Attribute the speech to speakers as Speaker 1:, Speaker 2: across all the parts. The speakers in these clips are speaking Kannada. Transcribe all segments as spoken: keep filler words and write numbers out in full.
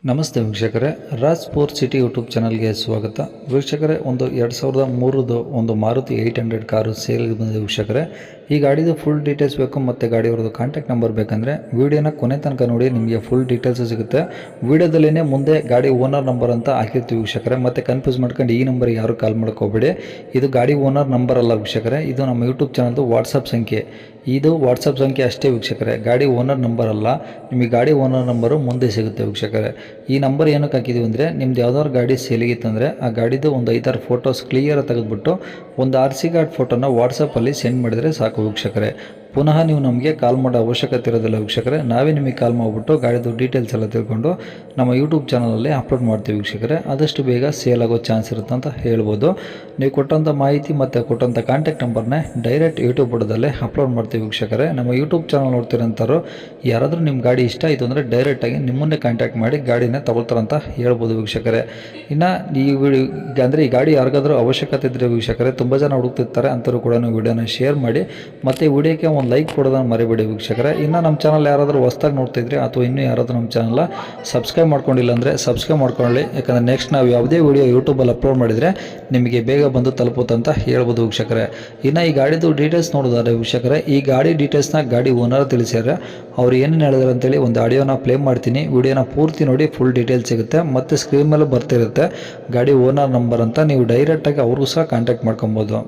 Speaker 1: ನಮಸ್ತೆ ವೀಕ್ಷಕರೇ, ರಾಜ್ ಸ್ಪೋರ್ಟ್ ಸಿಟಿ ಯೂಟ್ಯೂಬ್ ಚಾನಲ್ಗೆ ಸ್ವಾಗತ. ವೀಕ್ಷಕರೇ, ಒಂದು ಎರಡು ಸಾವಿರದ ಮೂರದು ಒಂದು ಮಾರುತಿ ಏಯ್ಟ್ ಹಂಡ್ರೆಡ್ ಕಾರು ಸೇಲ್ಗೆ ಬಂದಿದೆ ವೀಕ್ಷಕರೇ. ಈ ಗಾಡಿದು ಫುಲ್ ಡೀಟೇಲ್ಸ್ ಬೇಕು ಮತ್ತು ಗಾಡಿಯವ್ರದ್ದು ಕಾಂಟ್ಯಾಕ್ಟ್ ನಂಬರ್ ಬೇಕಂದರೆ ವೀಡಿಯೋನ ಕೊನೆ ತನಕ ನೋಡಿ, ನಿಮಗೆ ಫುಲ್ ಡೀಟೇಲ್ಸ್ ಸಿಗುತ್ತೆ. ವೀಡಿಯೋದಲ್ಲೇ ಮುಂದೆ ಗಾಡಿ ಓನರ್ ನಂಬರ್ ಅಂತ ಹಾಕಿರ್ತೀವಿ ವೀಕ್ಷಕರೇ, ಮತ್ತು ಕನ್ಫ್ಯೂಸ್ ಮಾಡ್ಕೊಂಡು ಈ ನಂಬರ್ ಯಾರು ಕಾಲ್ ಮಾಡ್ಕೋಬೇಡಿ. ಇದು ಗಾಡಿ ಓನರ್ ನಂಬರ್ ಅಲ್ಲ ವೀಕ್ಷಕರೇ, ಇದು ನಮ್ಮ ಯೂಟ್ಯೂಬ್ ಚಾನಲ್ದು ವಾಟ್ಸಪ್ ಸಂಖ್ಯೆ. ಇದು ವಾಟ್ಸಪ್ ಸಂಖ್ಯೆ ಅಷ್ಟೇ ವೀಕ್ಷಕರೇ, ಗಾಡಿ ಓನರ್ ನಂಬರ್ ಅಲ್ಲ. ನಿಮಗೆ ಗಾಡಿ ಓನರ್ ನಂಬರು ಮುಂದೆ ಸಿಗುತ್ತೆ ವೀಕ್ಷಕರೇ. ಈ ನಂಬರ್ ಏನಕ್ಕೆ ಹಾಕಿದ್ದೀವಿ ಅಂದರೆ, ನಿಮ್ದು ಯಾವ್ದಾದ್ರು ಗಾಡಿ ಸೇಲಿಗಿತ್ತಂದರೆ ಆ ಗಾಡಿದು ಒಂದು ಐದಾರು ಫೋಟೋಸ್ ಕ್ಲಿಯರ್ ತೆಗೆದುಬಿಟ್ಟು ಒಂದು ಆರ್ ಸಿ ಕಾರ್ಡ್ ಫೋಟೋನ ವಾಟ್ಸಪ್ಪಲ್ಲಿ ಸೆಂಡ್ ಮಾಡಿದರೆ ಸಾಕು ವೀಕ್ಷಕರೇ. ಪುನಃ ನೀವು ನಮಗೆ ಕಾಲ್ ಮಾಡೋ ಅವಶ್ಯಕತೆ ಇರೋದಿಲ್ಲ ವೀಕ್ಷಕರೇ. ನಾವೇ ನಿಮಗೆ ಕಾಲ್ ಮಾಡಿಬಿಟ್ಟು ಗಾಡಿದು ಡೀಟೇಲ್ಸ್ ಎಲ್ಲ ತಿಳ್ಕೊಂಡು ನಮ್ಮ ಯೂಟ್ಯೂಬ್ ಚಾನಲಲ್ಲಿ ಅಪ್ಲೋಡ್ ಮಾಡ್ತೀವಿ ವೀಕ್ಷಕರೇ. ಆದಷ್ಟು ಬೇಗ ಸೇಲ್ ಆಗೋ ಚಾನ್ಸ್ ಇರುತ್ತೆ ಅಂತ ಹೇಳ್ಬೋದು. ನೀವು ಕೊಟ್ಟಂಥ ಮಾಹಿತಿ ಮತ್ತು ಕೊಟ್ಟಂಥ ಕಾಂಟ್ಯಾಕ್ಟ್ ನಂಬರ್ನೇ ಡೈರೆಕ್ಟ್ ಯೂಟ್ಯೂಬ್ ಬುಡದಲ್ಲೇ ಅಪ್ಲೋಡ್ ಮಾಡ್ತೀವಿ ವೀಕ್ಷಕರೇ. ನಮ್ಮ ಯೂಟ್ಯೂಬ್ ಚಾನಲ್ ನೋಡ್ತಿರೋಂಥವ್ರು ಯಾರಾದರೂ ನಿಮ್ಮ ಗಾಡಿ ಇಷ್ಟ ಆಯಿತು ಅಂದರೆ ಡೈರೆಕ್ಟಾಗಿ ನಿಮ್ಮನ್ನೇ ಕಾಂಟ್ಯಾಕ್ಟ್ ಮಾಡಿ ಗಾಡಿನ ತಗೊಳ್ತಾರಂತ ಹೇಳ್ಬೋದು ವೀಕ್ಷಕರೇ. ಇನ್ನು ಈ ವಿಡಿಯೋ ಅಂದರೆ ಈ ಗಾಡಿ ಯಾರಿಗಾದ್ರೂ ಅವಶ್ಯಕತೆ ಇದ್ದರೆ ವೀಕ್ಷಕರೇ, ತುಂಬ ಜನ ಹುಡುಕ್ತಿರ್ತಾರೆ, ಅಂಥವ್ರು ಕೂಡ ವಿಡಿಯೋನ ಶೇರ್ ಮಾಡಿ ಮತ್ತು ವಿಡಿಯೋಕ್ಕೆ ಒಂದು ಲೈಕ್ ಕೊಡೋದನ್ನು ಮರಿಬೇಡಿ ವೀಕ್ಷಕರೇ. ಇನ್ನು ನಮ್ಮ ಚಾನಲ್ ಯಾರಾದರೂ ಹೊಸ್ದಾಗಿ ನೋಡ್ತಿದ್ರೆ ಅಥವಾ ಇನ್ನೂ ಯಾರಾದರೂ ನಮ್ಮ ಚಾನಲ್ ಸಬ್ಸ್ಕ್ರೈಬ್ ಮಾಡ್ಕೊಂಡಿಲ್ಲ ಅಂದರೆ ಸಬ್ಸ್ಕ್ರೈಬ್ ಮಾಡ್ಕೊಳ್ಳಿ. ಯಾಕಂದರೆ ನೆಕ್ಸ್ಟ್ ನಾವು ಯಾವುದೇ ವಿಡಿಯೋ ಯೂಟ್ಯೂಬಲ್ಲಿ ಅಪ್ಲೋಡ್ ಮಾಡಿದರೆ ನಿಮಗೆ ಬೇಗ ಬಂದು ತಲುಪುತ್ತಂತ ಹೇಳ್ಬೋದು ವೀಕ್ಷಕರೇ. ಇನ್ನು ಈ ಗಾಡಿದು ಡೀಟೇಲ್ಸ್ ನೋಡೋದಾದ್ರೆ ವೀಕ್ಷಕರೇ, ಈ ಗಾಡಿ ಡೀಟೇಲ್ಸ್ನ ಗಾಡಿ ಓನರ್ ತಿಳಿಸ್ಯಾರೆ. ಅವ್ರು ಏನೇನು ಹೇಳಿದ್ರು ಅಂತೇಳಿ ಒಂದು ಆಡಿಯೋನ ಪ್ಲೇ ಮಾಡ್ತೀನಿ, ವಿಡಿಯೋನ ಪೂರ್ತಿ ನೋಡಿ, ಫುಲ್ ಡೀಟೇಲ್ಸ್ ಸಿಗುತ್ತೆ. ಮತ್ತು ಸ್ಕ್ರೀನ್ ಮೇಲೆ ಬರ್ತಿರುತ್ತೆ ಗಾಡಿ ಓನರ್ ನಂಬರ್ ಅಂತ, ನೀವು ಡೈರೆಕ್ಟಾಗಿ ಅವ್ರಿಗೂ ಸಹ ಕಾಂಟ್ಯಾಕ್ಟ್ ಮಾಡ್ಕೊಬೋದು.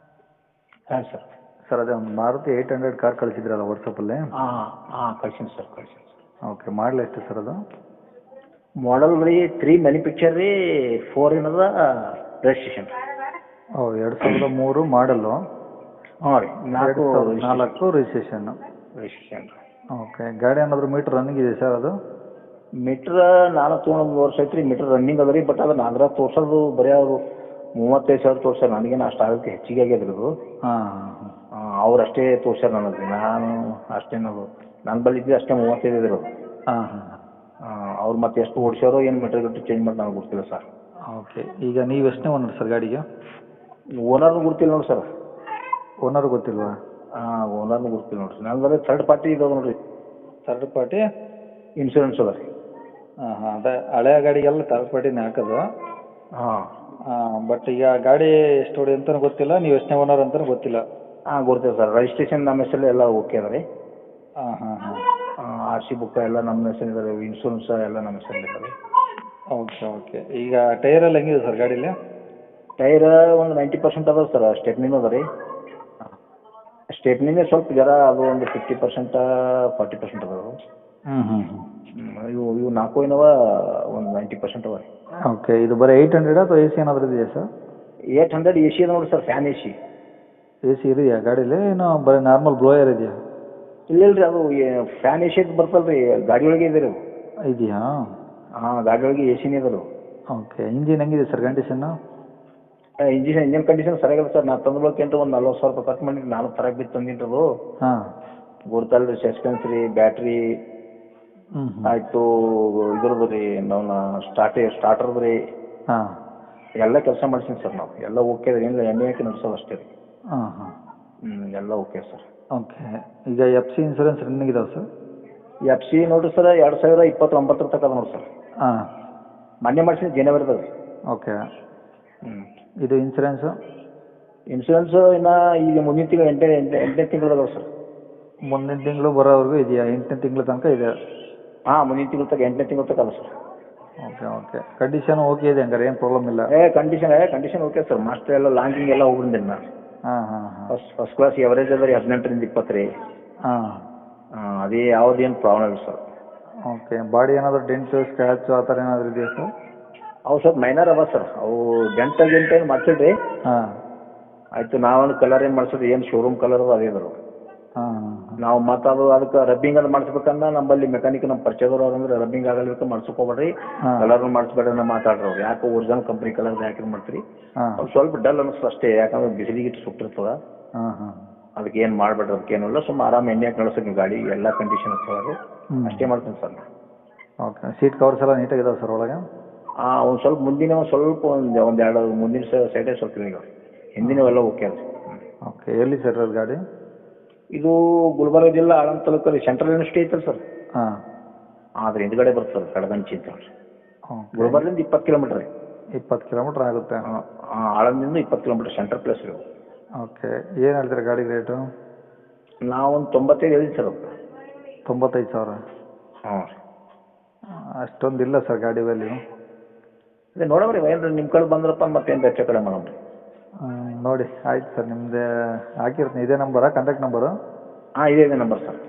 Speaker 2: ಹಾಂ ಸರ್.
Speaker 1: ಸರ್, ಅದೇ ಒಂದು ಮಾರುತಿ ಏಯ್ಟ್ ಹಂಡ್ರೆಡ್ ಕಾರ್ ಕಳಿಸಿದ್ರಲ್ಲ ವಾಟ್ಸಪ್ಪಲ್ಲಿ?
Speaker 2: ಹಾಂ ಹಾಂ ಕಳ್ಸೀನಿ ಸರ್, ಕಳ್ಸೀನಿ ಸರ್.
Speaker 1: ಓಕೆ, ಮಾಡಲ್ ಎಷ್ಟು ಸರ್ ಅದು?
Speaker 2: ಮಾಡಲ್ ರೀ ತ್ರೀ ಮ್ಯಾನುಫ್ಯಾಕ್ಚರ್ ರೀ, ಫೋರ್ ಏನದ ರಿಜಿಸ್ಟ್ರೇಷನ್.
Speaker 1: ಓ, ಎರಡು ಸಾವಿರದ ಮೂರು ಮಾಡಲ್ಲು.
Speaker 2: ಹಾಂ ರೀ, ನಾಲ್ಕು
Speaker 1: ನಾಲ್ಕು ರಿಜಿಸ್ಟ್ರೇಷನ್ನು.
Speaker 2: ರಿಜಿಸ್ಟ್ರೇಷನ್ ರೀ.
Speaker 1: ಓಕೆ, ಗಾಡಿ ಏನಾದರೂ ಮೀಟ್ರ್ ರನ್ನಿಂಗ್ ಇದೆ ಸರ್ ಅದು?
Speaker 2: ಮೀಟ್ರ್ ನಾನು ತೊಗೊಂಡು ಒಂದು ವರ್ಷ ಐತ್ರಿ, ಮೀಟ್ರ್ ರನ್ನಿಂಗ್ ಅದ ರೀ. ಬಟ್ ಅದು ನಾಲ್ಕರ ತೋರ್ಸೋದು ಬರೀ ಅವರು ಮೂವತ್ತೈದು ಸಾವಿರ ತೋರ್ಸ್ಯಾರ. ನನಗೇನು ಅಷ್ಟು ಆಗೋಕ್ಕೆ ಹೆಚ್ಚಿಗೆ ಆಗ್ಯದ್ರದು.
Speaker 1: ಹಾಂ ಹಾಂ
Speaker 2: ಅವ್ರು ಅಷ್ಟೇ ತೋರ್ಸ್ಯಾರ ನನಗೆ. ನಾನು ಅಷ್ಟೇನದು ನನ್ನ ಬಳಿ ಇದ್ದರೆ ಅಷ್ಟೇ ಮೂವತ್ತೈದು ಇದ್ರು.
Speaker 1: ಹಾಂ ಹಾಂ
Speaker 2: ಅವ್ರು ಮತ್ತೆ ಎಷ್ಟು ಓಡಿಸ್ಯಾರೋ ಏನು ಮೀಟ್ರ್ ಗಟ್ಟು ಚೇಂಜ್ ಮಾಡಿ ನನಗೆ ಗೊತ್ತಿಲ್ಲ ಸರ್.
Speaker 1: ಓಕೆ, ಈಗ ನೀವು ಎಷ್ಟನೇ ಓನರ್ ಸರ್ ಗಾಡಿಗೆ?
Speaker 2: ಓನರ್ನು ಗೊತ್ತಿಲ್ಲ ನೋಡಿ ಸರ್.
Speaker 1: ಓನರ್ ಗೊತ್ತಿಲ್ವಾ?
Speaker 2: ಹಾಂ, ಓನರ್ನು ಗೊತ್ತಿಲ್ಲ ನೋಡಿರಿ. ನಾನು ಬರೀ ಥರ್ಡ್ ಪಾರ್ಟಿ ಇದಾವೆ ನೋಡಿರಿ.
Speaker 1: ಥರ್ಡ್ ಪಾರ್ಟಿ
Speaker 2: ಇನ್ಶೂರೆನ್ಸ್ ಅದ ರೀ.
Speaker 1: ಹಾಂ ಹಾಂ ಅದೇ ಹಳೆಯ ಗಾಡಿಗೆಲ್ಲ ಥರ್ಡ್ ಪಾರ್ಟಿನೇ ಹಾಕೋದು.
Speaker 2: ಹಾಂ
Speaker 1: ಹಾಂ, ಬಟ್ ಈಗ ಗಾಡಿ ಎಷ್ಟು ಹೊಡಿ ಅಂತಲೂ ಗೊತ್ತಿಲ್ಲ, ನೀವು ಎಷ್ಟನೇ ಓನರ್ ಅಂತಲೂ ಗೊತ್ತಿಲ್ಲ.
Speaker 2: ಹಾಂ, ಗೊತ್ತಿಲ್ಲ ಸರ್. ರಿಜಿಸ್ಟ್ರೇಷನ್ ನಮ್ಮ ಹೆಸರಲ್ಲಿ ಎಲ್ಲ ಓಕೆ ಅದ ರೀ.
Speaker 1: ಹಾಂ ಹಾಂ ಹಾಂ
Speaker 2: ಆರ್ ಸಿ ಬುಕ್ ಎಲ್ಲ ನಮ್ಮ ಹೆಸರಿದೆ ರೀ. ಇನ್ಶೂರೆನ್ಸ್ ಎಲ್ಲ ನಮ್ಮ ಹೆಸರಲ್ಲಿ ಇದೆ ರೀ.
Speaker 1: ಓಕೆ ಓಕೆ ಈಗ ಟೈರೆಲ್ಲ ಹೆಂಗಿದೆ ಸರ್ ಗಾಡೀಲಿ?
Speaker 2: ಟೈರ್ ಒಂದು ನೈಂಟಿ ಪರ್ಸೆಂಟ್ ಅದಾವೆ ಸರ್. ಸ್ಟೆಪ್ನಿನೂ ಅದ ರೀ. ಸ್ಟೆಪ್ನಿನೇ ಸ್ವಲ್ಪ ಜರ ಅದು ಒಂದು ಫಿಫ್ಟಿ ಪರ್ಸೆಂಟ ಫಾರ್ಟಿ ಪರ್ಸೆಂಟ್ ಅದಾವೆ.
Speaker 1: ಹ್ಞೂ ಹ್ಞೂ
Speaker 2: ಹ್ಞೂ ಇವು ಇವು ನಾಲ್ಕು ಏನವ ಒಂದು ನೈಂಟಿ ಪರ್ಸೆಂಟ್ ಅವ ರೀ.
Speaker 1: ಓಕೆ, ಇದು ಬರೀ ಏಯ್ಟ್ ಹಂಡ್ರೆಡ್ ಅಥವಾ ಎ ಸಿ ಏನಾದರೂ ಇದೆಯಾ sir?
Speaker 2: Eight hundred A C ಅದ ನೋಡಿ sir, fan A C.
Speaker 1: A C ಇದೆಯಾ ಗಾಡೀಲಿ? ಏನೋ ಬರೀ ನಾರ್ಮಲ್ ಬ್ಲೋಯರ್ ಇದೆಯಾ?
Speaker 2: ಇಲ್ಲ ಇಲ್ಲ ರೀ, ಅದು ಫ್ಯಾನ್ ಎ ಸಿ ಅಂತ ಬರ್ತಲ್ಲ ರೀ, ಗಾಡಿ ಒಳಗೆ ಇದೆ ರೀ ಅದು.
Speaker 1: ಇದೆಯಾ?
Speaker 2: ಹಾಂ, ಗಾಡಿ ಒಳಗೆ ಎ ಸಿನೇ ಇದಾರೆ.
Speaker 1: ಓಕೆ, ಇಂಜಿನ್ ಹೆಂಗಿದೆ sir condition?
Speaker 2: Engine engine condition ಸರಿಯಾಗಲ್ಲ ಸರ್. ನಾನು ತಂದ್ಬೇಕಂತ ಒಂದು ನಲ್ವತ್ತು ಸಾವಿರ ರೂಪಾಯಿ ಖರ್ಚು ಮಾಡಿರಿ. ನಾನು ತರಕ್ಕೆ ಬಿದ್ದು ತಂದಿಟ್ಟದು.
Speaker 1: ಹಾಂ,
Speaker 2: ಗೊತ್ತಲ್ಲ ರೀ, ಸಸ್ಪೆನ್ಸ್ ರೀ, ಬ್ಯಾಟ್ರಿ
Speaker 1: ಹ್ಞೂ
Speaker 2: ಆಯಿತು, ಇದ್ರದ್ದು ರೀ ನಾವು ಸ್ಟಾರ್ಟೇ ಸ್ಟಾರ್ಟರ್ದು ರೀ,
Speaker 1: ಹಾಂ
Speaker 2: ಎಲ್ಲ ಕೆಲಸ ಮಾಡ್ಸೀನಿ ಸರ್. ನಾವು ಎಲ್ಲ ಓಕೆ ರೀ, ಏನಿಲ್ಲ ಎಣ್ಣೆ ಹಾಕಿ ನಡೆಸೋದು ಅಷ್ಟೇ ರೀ.
Speaker 1: ಹಾಂ ಹಾಂ
Speaker 2: ಹ್ಞೂ ಎಲ್ಲ ಓಕೆ ಸರ್.
Speaker 1: ಓಕೆ, ಈಗ ಎಫ್ ಸಿ ಇನ್ಸೂರೆನ್ಸ್ ರನ್ನಿಂಗ್ ಇದಾವೆ ಸರ್?
Speaker 2: ಎಫ್ ಸಿ ನೋಡಿರಿ ಸರ್, ಎರಡು ಸಾವಿರ ಇಪ್ಪತ್ತೊಂಬತ್ತರ ತನಕ ಅದ ನೋಡಿ ಸರ್.
Speaker 1: ಹಾಂ,
Speaker 2: ಮೊನ್ನೆ ಮಾಡ್ಸೀನಿ ಜನವರಿದಾಗ ರೀ.
Speaker 1: ಓಕೆ,
Speaker 2: ಹ್ಞೂ
Speaker 1: ಇದು ಇನ್ಸೂರೆನ್ಸು?
Speaker 2: ಇನ್ಸೂರೆನ್ಸು ಇನ್ನು ಈಗ ಮುಂದಿನ ತಿಂಗಳು ಎಂಟನೇ ಎಂಟನೇ ಎಂಟನೇ ತಿಂಗಳು ಅದಾವೆ ಸರ್.
Speaker 1: ಮುಂದಿನ ತಿಂಗಳು ಬರೋವರೆಗೂ ಇದೆಯಾ? ಎಂಟನೇ ತಿಂಗಳ ತನಕ ಇದೆ?
Speaker 2: ಹಾಂ, ಮುಂದಿನ ತಿಂಗಳು ತನಕ ಎಂಟನೇ ತಿಂಗಳು ತನಕ ಅದ sir.
Speaker 1: Okay okay condition okay ಇದೆ ಹಂಗಾರೆ, ಏನು ಪ್ರಾಬ್ಲಮ್ ಇಲ್ಲ?
Speaker 2: A condition A condition okay sir. Master ಎಲ್ಲ ಲಾಂಗಿಂಗ್ ಎಲ್ಲ ಹೋಗ್ಬಿಟ್ಟಿನಿ ನಾನು.
Speaker 1: ಹಾಂ ಹಾಂ ಹಾಂ
Speaker 2: ಫಸ್ಟ್ ಫಸ್ಟ್ ಕ್ಲಾಸ್ ಎವರೇಜ್ ಅದ ರೀ, ಹದಿನೆಂಟರಿಂದ ಇಪ್ಪತ್ತು ರೀ.
Speaker 1: ಹಾಂ
Speaker 2: ಹಾಂ, ಅದೇ ಯಾವುದೇನು ಪ್ರಾಬ್ಲಮ್ ಇಲ್ಲ ಸರ್.
Speaker 1: ಓಕೆ, ಬಾಡಿ ಏನಾದರೂ ಡೆಂಟು ಸ್ಕ್ರ್ಯಾಚು ಆ ಥರ ಏನಾದರೂ ಇದೆಯಾ ಸರ್?
Speaker 2: ಅವು ಸ್ವಲ್ಪ ಮೈನರ್ ಅವ ಸರ್. ಅವು ಡೆಂಟ ಗಿಂಟ ಏನು ಮಾಡ್ಸಿಡ್ರಿ.
Speaker 1: ಹಾಂ
Speaker 2: ಆಯಿತು, ನಾವೊಂದು ಕಲರ್ ಏನು ಮಾಡ್ಸಿದ್ರಿ, ಏನು ಶೋರೂಮ್ ಕಲರ್ ಅದೇ ಇದ್ರು.
Speaker 1: ಹಾಂ
Speaker 2: ನಾವು ಮತ್ತು ಅದು ಅದಕ್ಕೆ ರಬ್ಬಿಂಗ್ ಅದು ಮಾಡಿಸ್ಬೇಕಂದ್ರೆ ನಮ್ಮಲ್ಲಿ ಮೆಕ್ಯಾನಿಕ್ ನಮ್ಮ ಪರಿಚಯದವ್ರು ಅವ್ರಂದ್ರೆ ರಬ್ಬಿಂಗ್ ಆಗಲಿಕ್ಕೆ ಮಾಡಿಸ್ಕೋಬೇಡ್ರಿ, ಕಲರ್ನು ಮಾಡಿಸ್ಬೇಡ್ರಿ ಅಂತ ಮಾತಾಡ್ರಿ ಅವ್ರು. ಯಾಕೆ ಒರಿಜಿನಲ್ ಕಂಪ್ನಿ ಕಲರ್ ಯಾಕೆ ಮಾಡ್ತೀರಿ?
Speaker 1: ಹಾಂ
Speaker 2: ಅವ್ರು ಸ್ವಲ್ಪ ಡಲ್ ಅನ್ನಿಸ್ತದೆ ಅಷ್ಟೇ, ಯಾಕಂದ್ರೆ ಬಿಸಿಲಿಗಿಟ್ಟು ಸುಟ್ಟಿರ್ತದೆ.
Speaker 1: ಹಾಂ ಹಾಂ
Speaker 2: ಅದಕ್ಕೆ ಏನು ಮಾಡಬೇಡ್ರಿ, ಅದಕ್ಕೇನಿಲ್ಲ. ಸುಮ್ಮ ಆರಾಮ ಎಣ್ಣೆ ಹಾಕಿ ನಡೆಸೋಕೆ ನೀವು ಗಾಡಿ ಎಲ್ಲ ಕಂಡೀಷನ್ ಇರ್ತದೆ. ಅಷ್ಟೇ ಮಾಡ್ತೀನಿ ಸರ್ ನಾನು.
Speaker 1: ಓಕೆ, ಸೀಟ್ ಕವರ್ಸ್ ಎಲ್ಲ ನೀಟಾಗಿದಾವೆ ಸರ್ ಒಳಗೆ?
Speaker 2: ಹಾಂ, ಒಂದು ಸ್ವಲ್ಪ ಮುಂದಿನ ಒಂದು ಸ್ವಲ್ಪ ಒಂದು ಒಂದು ಎರಡು ಮುಂದಿನ ಸೈಡೇ ಸ್ವಲ್ಪ ಈಗ, ಹಿಂದಿನವೆಲ್ಲ ಓಕೆ ಅದ.
Speaker 1: ಓಕೆ, ಎಲ್ಲಿ ಸರ್ ಅದು ಗಾಡಿ?
Speaker 2: ಇದು ಗುಲ್ಬರ್ಗ ಜಿಲ್ಲಾ ಆಳಂದ ತಾಲೂಕು ರೀ, ಸೆಂಟ್ರಲ್ ಯೂನಿವರ್ಸಿಟಿ ಐತಲ್ಲ ಸರ್.
Speaker 1: ಹಾಂ,
Speaker 2: ಅದ್ರ ಹಿಂದ್ಗಡೆ ಬರ್ತದೆ ಕಡಗಂಚಿ ಅಂತ.
Speaker 1: ಓಕೆ.
Speaker 2: ಗುಲ್ಬರ್ಲಿಂದ ಇಪ್ಪತ್ತು ಕಿಲೋಮೀಟ್ರ್ ರೀ.
Speaker 1: ಇಪ್ಪತ್ತು ಕಿಲೋಮೀಟ್ರ್ ಆಗುತ್ತೆ.
Speaker 2: ಆಳಂದಿಂದ ಇಪ್ಪತ್ತು ಕಿಲೋಮೀಟ್ರ್ ಸೆಂಟ್ರ್ ಪ್ಲೇಸ್ ರೀ.
Speaker 1: ಓಕೆ. ಏನು ಹೇಳ್ತೀರಾ ಗಾಡಿ ರೇಟು?
Speaker 2: ನಾವೊಂದು ತೊಂಬತ್ತೈದು ಹೇಳಿದ್ವಿ ಸರ್. ಅದು
Speaker 1: ತೊಂಬತ್ತೈದು ಸಾವಿರ.
Speaker 2: ಹ್ಞೂ ರೀ.
Speaker 1: ಅಷ್ಟೊಂದು ಇಲ್ಲ ಸರ್ ಗಾಡಿ ವ್ಯಾಲ್ಯೂ.
Speaker 2: ಅದೇ ನೋಡಮ್ರಿ ಏನು ನಿಮ್ಮ ಕಡೆ ಬಂದ್ರಪ್ಪ ಮತ್ತೇನು ಹೆಚ್ಚು ಕಡಿಮೆ ಮಾಡೋಣ ರೀ.
Speaker 1: ನೋಡಿ ಆಯ್ತು ಸರ್, ನಿಮ್ಮದೇ ಹಾಕಿರ್ತೀನಿ. ಇದೇ ನಂಬರಾ ಕಾಂಟ್ಯಾಕ್ಟ್ ನಂಬರು?
Speaker 2: ಹಾಂ ಇದೇ ಇದೆ ನಂಬರ್ ಸರ್.